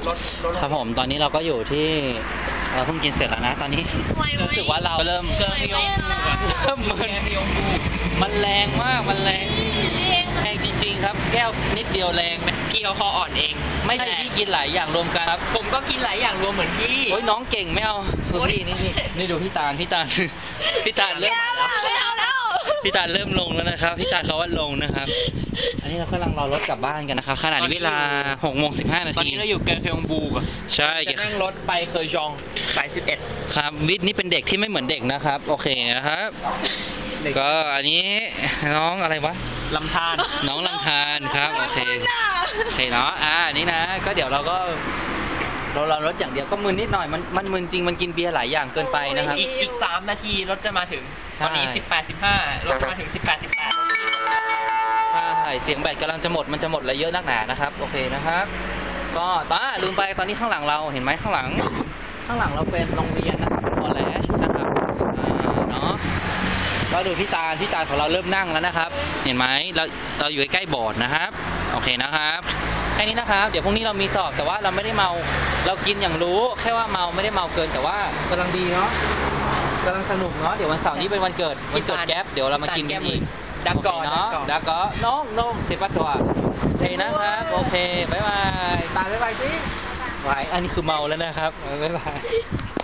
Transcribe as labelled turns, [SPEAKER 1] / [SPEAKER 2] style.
[SPEAKER 1] ครับผมตอนนี้เราก็อยู่ที่เพิ่งกินเสร็จแล้วนะตอนนี้รู้สึกว่าเราเริ่มเมันแรงมากมันแรงจริงๆครับแก้วนิดเดียวแรงไหมพี่เขาคออ่อนเองไม่ใช่พี่กินหลายอย่างรวมกันครับผมก็กินหลายอย่างรวมเหมือนพี่โอ้ยน้องเก่งไม่เอาพี่นี่ดูพี่ตาลเริ่มพี่ตาลเริ่มลงแล้วนะครับพี่ตาลเขาว่าลงนะครับอันนี้เรากำลังรอรถกลับบ้านกันนะครับขณะนี้เวลา6:15 นาทีตอนนี้เราอยู่เกอร์เคยองบูก่อนใช่จะนั่งรถไปเคยจองสาย11ครับวิทย์นี่เป็นเด็กที่ไม่เหมือนเด็กนะครับโอเคนะครับก็อันนี้น้องอะไรวะลำธารน้องลำธารครับโอเคเนาะนี่นะก็เดี๋ยวเราก็เรารถอย่างเดียวก็มึนนิดหน่อยมันมึนจริงมันกินเบียร์หลายอย่างเกินไปนะครับอีก3 นาทีรถจะมาถึงตอนนี้18:15รถจะมาถึง18:18ใช่เสียงแบตกำลังจะหมดมันจะหมดอะไรเยอะนักหนานะครับโอเคนะครับก็ลืมไปตอนนี้ข้างหลังเราเห็นไหมข้างหลังเราเป็นโรงเรียนนะคอลเลจนะครับเนาะก็ดูพี่ตาลของเราเริ่มนั่งแล้วนะครับเห็นไหมเราอยู่ใกล้ๆบอร์ดนะครับโอเคนะครับแค่นี้นะครับเดี๋ยวพรุ่งนี้เรามีสอบแต่ว่าเราไม่ได้เมาเรากินอย่างรู้แค่ว่าเมาไม่ได้เมาเกินแต่ว่ากำลังดีเนาะกำลังสนุกเนาะเดี๋ยววันเสาร์นี้เป็นวันเกิดแก๊ปเดี๋ยวเรามากินกันอีกดักก่อนเนาะดักก่อนน้องเซปัตตัวโอเคนะครับโอเคบ๊ายบายตาบ๊ายบายสิบ๊ายบายอันนี้คือเมาแล้วนะครับบ๊ายบาย